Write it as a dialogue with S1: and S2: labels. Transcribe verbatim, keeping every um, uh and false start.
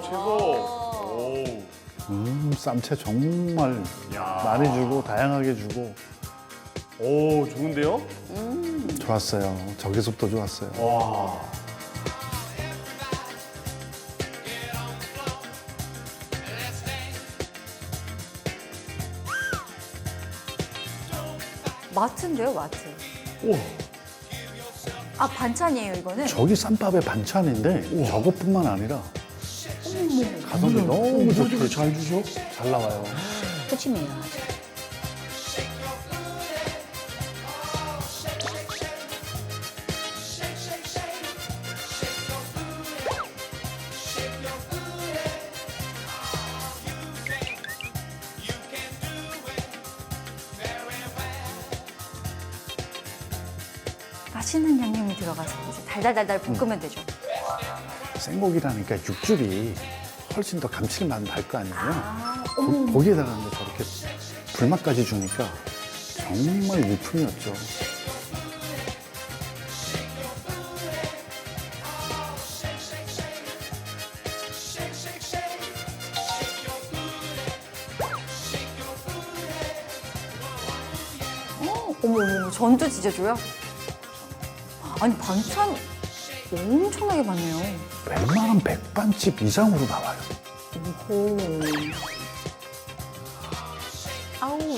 S1: 최고.
S2: 음, 쌈채 정말
S1: 야.
S2: 많이 주고 다양하게 주고
S1: 오, 좋은데요?
S2: 좋았어요. 저기서부터 좋았어요.
S1: 와.
S3: 마트인데요, 마트.
S2: 우와,
S3: 아, 반찬이에요, 이거는?
S2: 저기 쌈밥의 반찬인데 저것뿐만 아니라 가성비 너무 좋게 잘 주셔. 잘 나와요.
S3: 푸짐해요, 아주. 맛있는 양념이 들어가서 이제 달달달달 볶으면 되죠.
S2: 생고기라니까 육즙이 훨씬 더 감칠맛 날 거 아니에요.
S3: 아,
S2: 고,
S3: 어머.
S2: 고기에다가 이제 저렇게 불맛까지 주니까 정말 일품이었죠.
S3: 어, 어머, 어머, 전도 진짜 줘요? 아니, 반찬 엄청나게 많네요.
S2: 웬만한 백반집 이상으로 나와요.
S3: 오. 아우.